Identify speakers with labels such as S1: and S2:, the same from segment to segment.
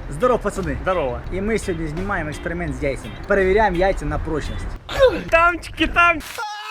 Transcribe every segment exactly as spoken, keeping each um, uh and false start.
S1: Здорово, пацаны.
S2: Здорово.
S1: И мы сегодня снимаем эксперимент с яйцами. Проверяем яйца на прочность.
S2: Тамчики там.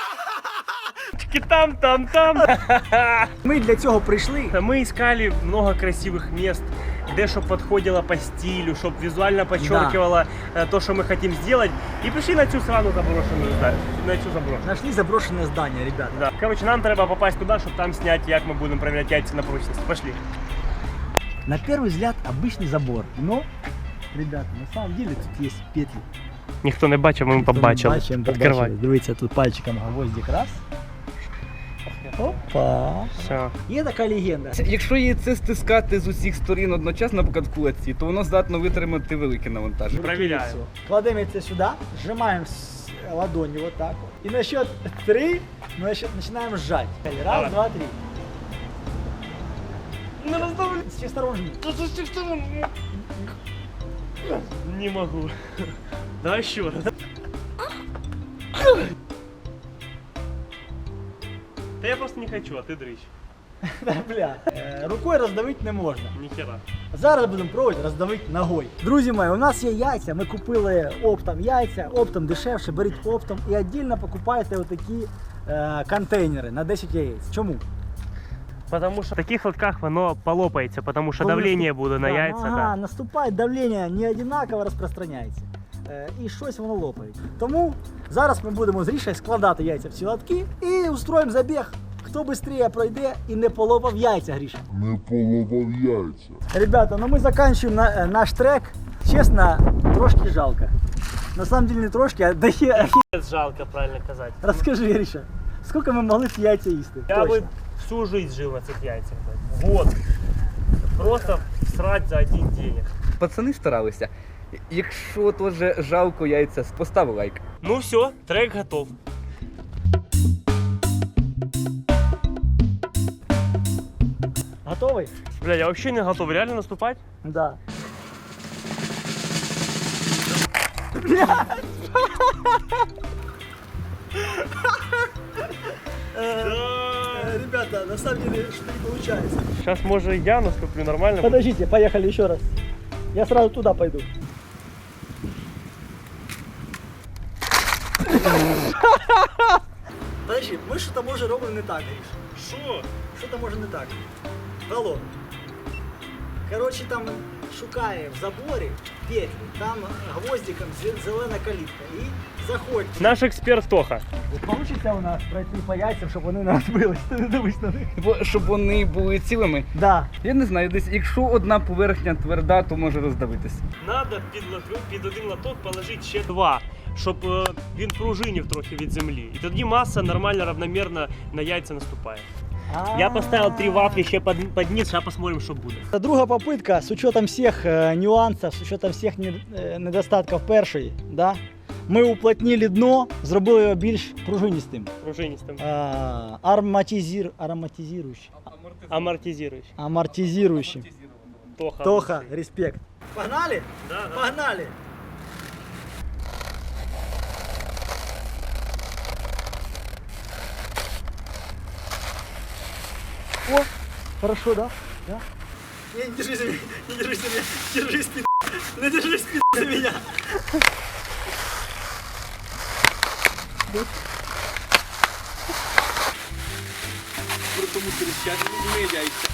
S2: Там, там, там.
S1: Ми для цього прийшли.
S2: Мы искали много красивых мест, где чтоб подходило по стилю, чтоб визуально подчеркивало да. то, что мы хотим сделать. И пришли на цю срану заброшенную здание. На цю заброшенную.
S1: Нашли заброшенное здание, ребята.
S2: Да. Короче, нам треба попасть туда, чтобы там снять, как мы будем проверять яйца на прочность. Пошли.
S1: На первый взгляд обычный забор, но, ребята, на самом деле тут есть петли.
S2: Ніхто не бачив, ми побачили.
S1: Відкривай. Дивіться, тут пальчиком гвоздик раз. Опа.
S2: Все.
S1: Є така легенда.
S3: Якщо яйце стискати з усіх сторін одночасно, наприклад, в кулаці, то воно здатно витримати велике навантаження.
S2: Проверяємо.
S1: Кладемо це сюди, зжимаємо з ладонью вот так вот. І на счет три ми починаємо сжать. Раз,
S2: Давай.
S1: два, три.
S2: Не раздавлю.
S1: С всех сторон жми.
S2: Не могу. Давай еще раз. Да я просто не хочу, а ты дрыщ.
S1: Да, бля. Е, Рукою роздавити не можна.
S2: Ніхера.
S1: Зараз будемо пробувати роздавити ногою. Друзі мої, у нас є яйця, ми купили оптом яйця, оптом дешевше, беріть оптом і віддільно покупайте отакі е, контейнери на десять яєць. Чому?
S2: Потому что в таких лотках оно полопается, потому что
S1: Коли
S2: давление
S1: наступ-
S2: буде на
S1: Да,
S2: яйца.
S1: Ага,
S2: Да.
S1: наступає давлення, не однаково розпространяється. Е, і щось воно лопає. Тому зараз ми будемо з Рішею складати яйця в ці лотки і устроїмо забіг. Хто швидше пройде і не полопав яйця, Гріша.
S4: Не половав яйця.
S1: Ребята, ну мы заканчиваем на, наш трек. Честно, трошки жалко. На самом деле не трошки, а да хе...
S2: Жалко, правильно казать.
S1: Расскажи, Гриша, сколько мы могли ці яйця їсти?
S2: Я
S1: Точно.
S2: бы всю жизнь жил на этих яйцах. Вот. Просто срать за один день.
S3: Пацани старалися. Якщо теж жалко яйця, постав лайк.
S2: Ну все, трек готов.
S1: Готовий?
S2: Бля, я вообще не готов. Реально наступать?
S1: Да.
S2: Да.
S1: Ребята, на самом деле, что не получается.
S2: Сейчас, может, я наступлю нормально.
S1: Подождите, поехали еще раз. Я сразу туда пойду. Подожди, ми що-то може робимо не так, Гриш.
S2: Що?
S1: Що-то може не так. Алло. Короче, там шукає в заборі петлі, там гвоздиком зе- зелена калітка. І заходь.
S2: Наш експерт Тоха.
S1: Получиться у нас пройти по яйцям, щоб вони не розбились. Ти не дивись на них.
S3: Бо щоб вони були цілими.
S1: Да.
S3: Я не знаю, десь якщо одна поверхня тверда, то може роздавитися.
S2: Надо під, лоток- під один лоток положити ще два, щоб е, він пружинів трохи від землі. І тоді маса нормально, равномірно на яйця наступає. Я поставил три вафли еще под, под низ, сейчас посмотрим, что будет.
S1: Это друга попытка с учетом всех э, нюансов, с учетом всех не, э, недостатків першої. Да? Ми уплотнили дно, зробили його більш пружиністим.
S2: Пружинистым.
S1: А, ароматизир, ароматизирующим.
S2: Амортизирующий.
S1: Амортизирующим.
S2: Тоха.
S1: Тоха, респект. Погнали?
S2: Да, да.
S1: Погнали! О, хорошо, да? Да? Не, не держись за меня, не держись за меня, держись, пи***, не держись, пи***, за меня.
S3: При тому тріщать не яйця.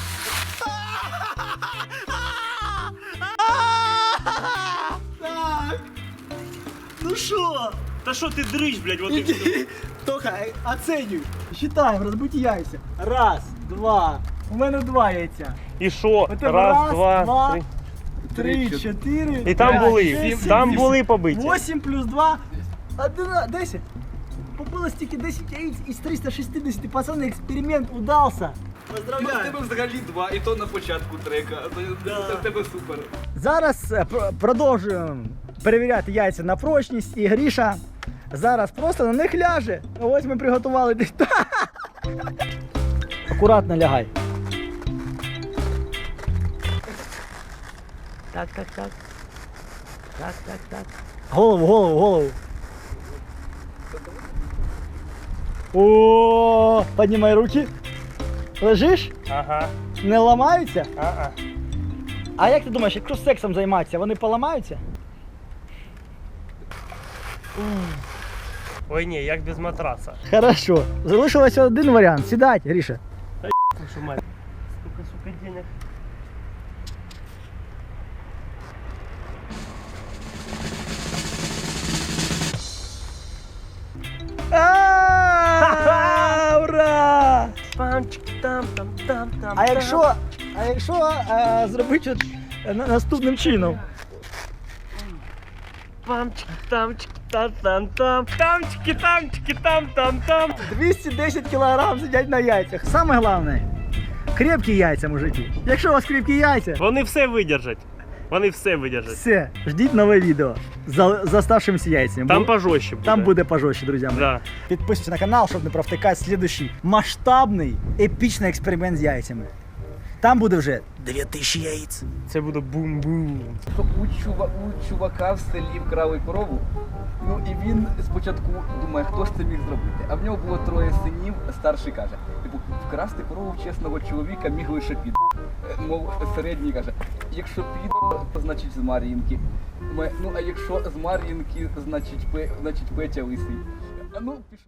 S1: Так, ну шо?
S2: Да что ты дрыщ, блядь, вот и
S1: Иди,
S2: всё.
S1: Тоха, оценюй. Считаем, розбиті яйця. Раз, два. У мене два яйця.
S2: И шо?
S1: У тебе
S2: Раз,
S1: раз,
S2: два,
S1: два,
S2: три.
S1: Три,
S3: Три,
S1: чотири.
S2: И там
S1: п'ять,
S2: були,
S1: шість, сім,
S2: там
S1: вісім.
S2: були побиті.
S1: Восемь плюс два. Одина, десять. Побилось тільки десять яиц із триста шістдесят. Пацани, експеримент удався.
S3: Ну, в
S1: Поздравляю.
S3: тебе взагалі два, і то на початку трека. Це в тебе супер.
S1: Зараз е, пр- продовжуємо перевіряти яйця на прочність. І Гріша зараз просто на них ляже. Ось ми приготували. десь- Акуратно лягай. Так, так, так. Так, так, так. Голову, голову, голову. О, поднимай руки. Лежиш?
S2: Ага.
S1: Не ламаються?
S2: А-а.
S1: А як ти думаєш, якщо сексом займатися, вони поламаються?
S2: Ой, ні, як без матраса.
S1: Хорошо. Залишилося один варіант. Сідать, Гріша.
S2: Слушай, мать, сколько, сука, денег.
S1: А, ура!
S2: Пам-чик-там-там-там-там.
S1: А якщо, а якщо а, зробити от, е, на- наступним чином?
S2: Пам-чик-там-чик-там-там-там. Там-чики-там-чики-там-там-там.
S1: двісті десять кілограм сидять на яйцях. Саме головне, крепкі яйця, мужики. Якщо у вас крепкі яйця,
S2: Вони все видержать. Вони все видержать.
S1: все, ждіть нове відео з з оставшимися яйцями.
S2: Там
S1: Бу-
S2: пожорстче буде.
S1: Там буде пожорстче, друзі мої.
S2: Да.
S1: Підписуйтесь на канал, щоб не провтикати слідущий масштабний, епічний експеримент з яйцями. Там буде вже дві тисячі яєць.
S2: Це буде бум-бум.
S3: Що у, чува, у чувака в селі вкрали корову, ну і він спочатку думає, хто ж це міг зробити. А в нього було троє синів, старший каже, типу, вкрасти корову чесного чоловіка міг лише під. Мов середній каже, якщо під, то значить з Мар'їнки. Думає, ну а якщо з Мар'їнки, значить, Пе- значить Петя лисий. А ну, пішов.